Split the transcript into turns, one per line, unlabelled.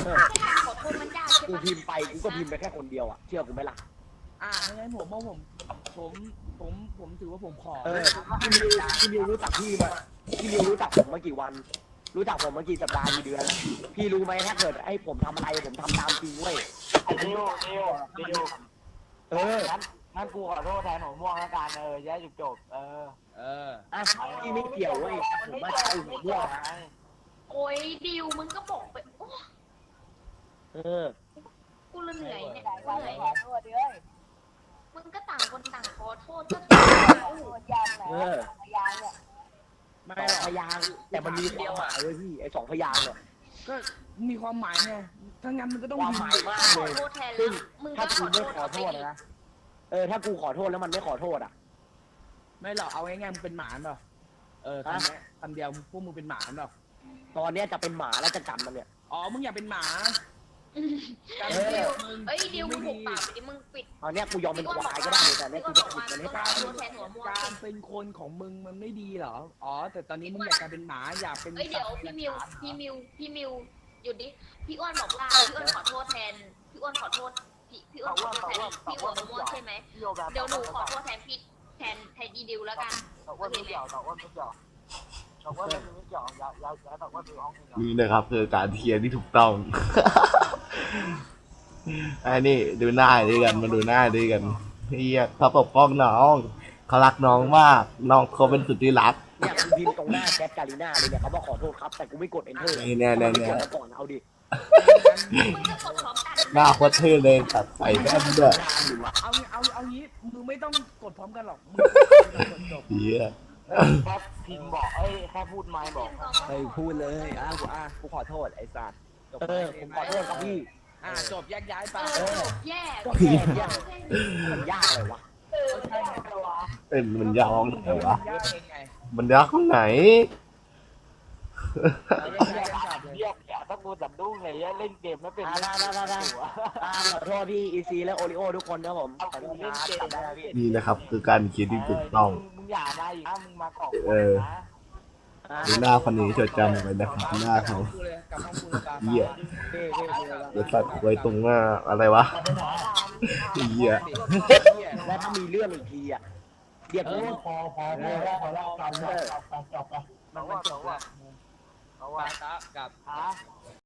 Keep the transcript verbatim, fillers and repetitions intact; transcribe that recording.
ขอโทษมันยากใช่
กู
ปะ
พิมพ์ไปกูก็พิมพ์ไปแค่คนเดียวอ่ะเชื่อกูไหมล่ะ
อ่างั้นผมว่าผมผมผมผมถือว่าผมขอ
เออพี่มิวพี่มิวรู้จักพี่มาพี่มิวรู้จักผมมากี่วัน รู้จักผมมากี่สัปดาห์กี่เดือนพี่รู้ไหมถ้าเกิดไอ้ผมทำอะไรผมทำตามจริงเว้ย
ไอ้ดิวดิวดิว
เออ
งั้นงั้นกูขอโทษแทนหัวม่วงแล้วกันเออแย่จบจบเออ
เออ
อ่ะพี่ไม่เกี่ยวเว้ยผมมาใช้หัวม่วงนะ
โอ้ยดิวมึงก็บอกไปโอ้
เออ
กูละเหนื่อยเนี่ย
ข
กู
อ
เหนื่อย
โทษด้วย
มึงก็ต่างคนต่างขอโทษก็
โอ้โหยางไหนยางเนี่ย
ไม่
สอ
ห
ง
รอก
พยางค์แต่มันมีความหมายเลยพี่ไอ้สองพยางค์เนี่ย
ก็มีความหมายไงถ้างั้นมันก็ต้อง
ความหมายมาก
ข
เล
อย โทษแทน
ซึ่
แล้
ง
วมึง
ถ้า
ก็ข
กู
อโท
ไม่
ษ
ขอโทษนะเออถ้ากูขอโทษแล้วมันไม่ขอโทษอ่ะ
ไม่หรอกเอาง่ายๆมึงเป็นหมาเปล่าเออคำนี้คำเดียวพวกมึงเป็นหมาเปล่า
ตอนเนี้ยจะเป็นหมาแล้วจะจำมันเนี่ย
อ๋อมึงอยากเป็นหมา
เดิวเอ้ยดิวมึงหุบปากดิมึงปิด
ตอนเนี้ยกูยอมเป็นควายก็ได้แต่เนี่ยกูจะผิดมันให้
ข
ตา
อย โทษแทนหัวม่วง
การเป็นคนของมึงมันไม่ดีเหรออ๋อแต่ตอนนี้มึงอยากกลายเป็นหมาอยากเป็น
เอ้ยเดี๋ยวพี่มิวพี่มิวพี่มิวหยุดดิพี่อ้วนบอกว่าพี่อ้วนขอโทษแทนพี่อ้วนขอโทษพี่พี่อ้วนขอโทษแทนพี่หัวม่วงใช่ไหมเดี๋ยวหนูขอโทษแทนพี่แทนแทนอีดิวแล้วกัน
แต่ว่าไม่เกี่ยวแต่ว่าไม่เกี่ยวแต่ว่าไม่เกี่ยวอย่าอย่าอย่าแต่ว่าคือห้องนี้
นี่นะครับคือการเทียร์ที่ถูกต้อง ไอ้นี่ดูหน้าด้วยกันมาดูหน้าด้วยกันเฮียเขาปกป้องน้องเขารักน้องมากน้องเขาเป็นสุดที่รัก
เนี่ยกูพิมพ์ตรงหน้าแคปกาลิน่าเลยเนี่ยเขาบอกขอโทษครับแต่กูไม่กด enter
นี่แน่ๆๆ
ไม่กดมาก่อนเอาดิ
มึงก็กดพร้อมกัน
หน้าโคตรเท่เลยตัดใส่แว่นด้วย
เอาเอาเอางี้มึงไม่ต้องกดพร้อมกันหรอกมึงกดจบ
เฮีย
แค่พิมพ์บอกเอ้ยแค่พูดไม่บอก
เฮ้ยพูดเลยอ่ะกูอ่ะกูขอโทษไอ้สัตว์
เออผมขอโทษครับพี่
อ่ะจบแยกย้ายไป
เออแย่
ก็แค่เนี่ยมันยากเลยวะ
เป็นมันยาวไหนวะ
ยากเองไง
มันยาวข้างไหน
แยกย้ายกันกลับเลย
เรียกอย่าถ้ากูจับดุ้งเลยเล่นเกมไม่เป็น
อ่าได้ได้ได้ได้อ่าขอโทษพี่อีซีและโอริโอทุกคนนะผมขอโทษนะจำได้แล้วพี่
นี่นะครับคือการเขียนที่ถูกต้อง
มึงอย่ามาอีกนะมึงมาเกาะ
เออ
นะ
อ่า
ดูหน้าคนนี้จดจำไว้นะครับหน้าเขา
กูเลยกลับห้องกูตา
เหี้ย
เท่เท่เท่
เดี๋ยวตัดไว้ตรงหน้าอะไรวะเฮีย
แล้วถ้ามีเรื่องอีกทีอ่ะเรียก
เอ
กู
อพอพอพอพอแล้วกันจบกันจบกัน
แต่ว่าแต่ว่าแต่ว่า
ตากับ
ฮะ